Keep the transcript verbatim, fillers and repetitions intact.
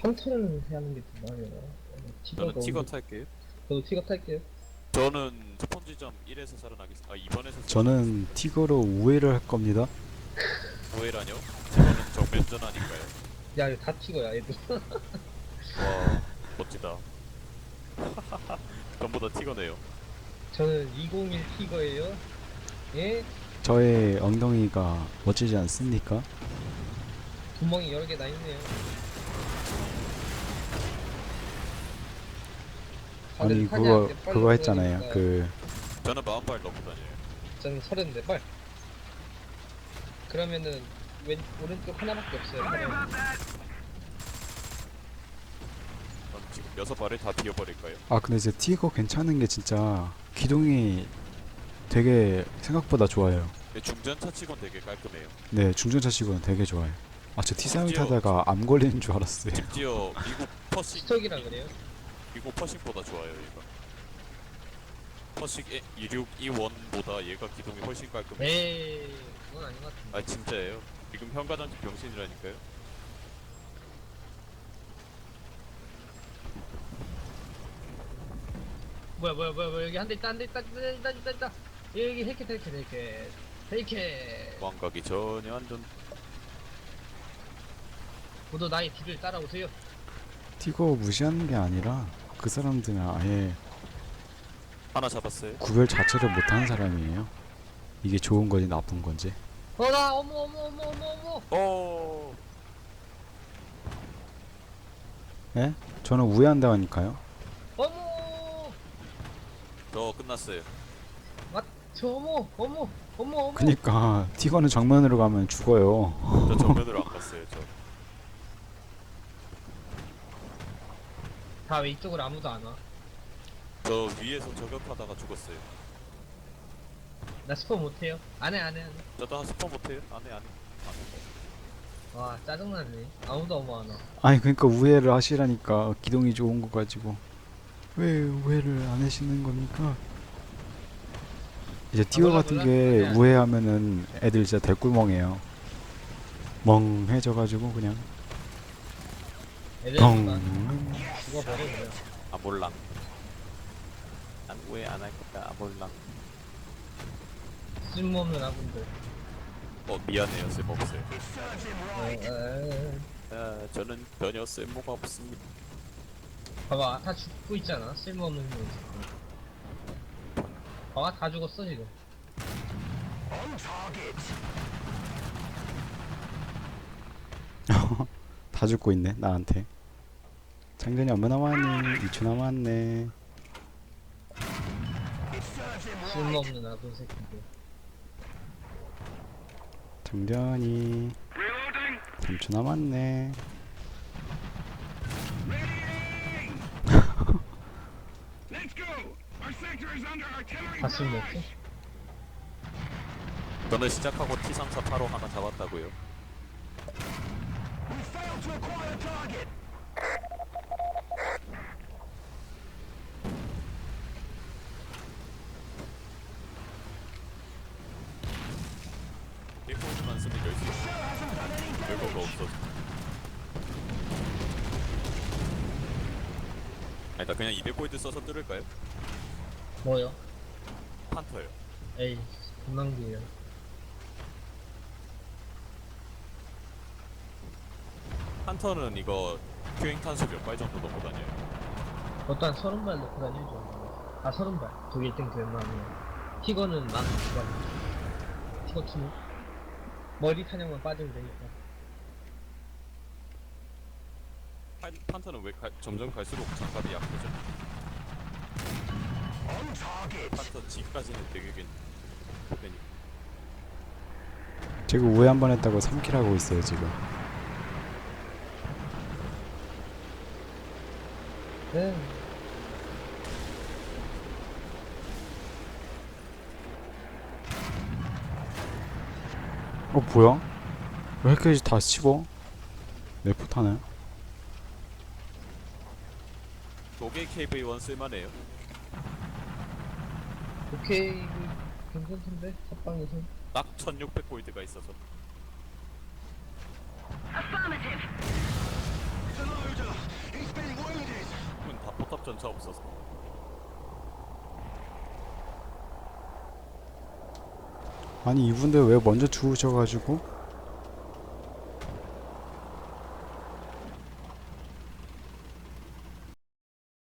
헌터를 하는 게 더 나아요. 티거가 저는 티거 오늘- 탈게요. 저도 티거 탈게요. 저는 스폰지점 일에서 살아나겠습니다. 아 이번에서 저는 티거로 우회를 할 겁니다. 오해라뇨? 저는 정면전 아닌가요? 야 이거 다 티거야 얘도. 와 멋지다. 전부 다 티거네요. 저는 이공일 티거예요. 예? 저의 엉덩이가 멋지지 않습니까? 구멍이 여러 개 나 있네요. 다들 아니 사냥 그거 때 빨리 그거 했잖아요. 보여드릴까요? 그 저는 마흔발 넘고 다녀요. 저는 서른네 발. 그러면은 왼 오른쪽 하나밖에 없어요. 사람. 그럼 지금 여섯 발을 다 비워버릴까요? 아 근데 이제 티거 괜찮은 게 진짜 기동이 되게 생각보다 좋아요. 근데 중전차 치곤 되게 깔끔해요. 네 중전차 치고는 되게 좋아요. 아 저 티삼을 심지어- 타다가 암 걸리는 줄 알았어요. 심지어 미국 퍼싱 스톡이라 그래요? 미국 퍼싱보다 좋아요 얘가. 퍼싱 이육이일보다 얘가 기동이 훨씬 깔끔해. 에이 그건 아닌 것 같은데. 아 진짜예요. 지금 현가장치 병신이라니까요. 뭐야 뭐야 뭐야 뭐야 여기 한 대 있다 한 대 있다 있다 있다 있다 있다. 여기 헬켓 헬켓 헬켓 헬켓. 도망가기 전에 안전. 모두 나의 뒤를 따라오세요. 티거 무시하는 게 아니라 그 사람들은 아예 하나 잡았어요. 구별 자체를 못하는 사람이에요. 이게 좋은 건지 나쁜 건지. 어나 어머 어머 어머 어머 어머. 어. 예? 저는 우회한다니까요. 어머. 저 끝났어요. 저 어머 어머 어머 어머. 그니까 티거는 정면으로 가면 죽어요. 저 정면으로 안 갔어요. 저. 다 왜 이쪽으로 아무도 안 와? 저 위에서 저격하다가 죽었어요. 나 스포 못해요. 안해 안해 안해. 저도 한 스폰 못해요. 안해 안해. 와 짜증나네. 아무도 어머 안 와. 아니 그러니까 우회를 하시라니까 기동이 좋은 거 가지고 왜 우회를 안 하시는 겁니까? 이제 티거 몰라, 같은 몰라. 게 아니야. 우회하면은 애들 진짜 대꿀멍해요. 멍해져가지고 그냥 애들만 덩. 죽어버려 그냥. 아 몰랑. 난 왜 안 할 거야. 아 몰랑. 쓸모없는 아군들. 어 미안해요. 쓸모없어요. 어, 에, 아, 저는 전혀 쓸모가 없습니다. 봐봐 다 죽고 있잖아. 쓸모없는 놈. 봐봐 다 죽었어 지금. 다 죽고 있네 나한테. 장전이 얼마 남았니? 이 초 남았네. 쓸모없는 아군 새끼들. 장전이 삼 초 남았네. 다 쓸모없어? 저는 시작하고 티 삼사팔오 하나 잡았다고요. 일코드만 쓰면 열 수 있어. 별거가 없어. 아니 나 그냥 이백 골드 써서 뚫을까요? 뭐요? 판터요. 에이 금방기예요. 판터는 이거 큐잉 탄수 몇 발 정도 넣고 다녀요? 그것도 한 서른 발 넣고 다니죠. 아 서른 발. 독일 일 등 되면 티거는 만 두 발. 티거 투는 머리 탄약만 빠지면 되니까. 판, 판터는 왜 가, 점점 갈수록 장갑이 약해져? 판터 G까지는 되게 괜찮으니까. 지금 우회 한 번 했다고 삼 킬 하고 있어요 지금. 네. 어 뭐야? 왜 이렇게 다 씹어? 내 포타네. 독일 케이브이 원 쓸만해요. 오케이 그 괜찮던데 합방에서. 딱 천육백 골드가 있어서. Affirmative. 전차 없었어. 아니 이분들 왜 먼저 죽으셔가지고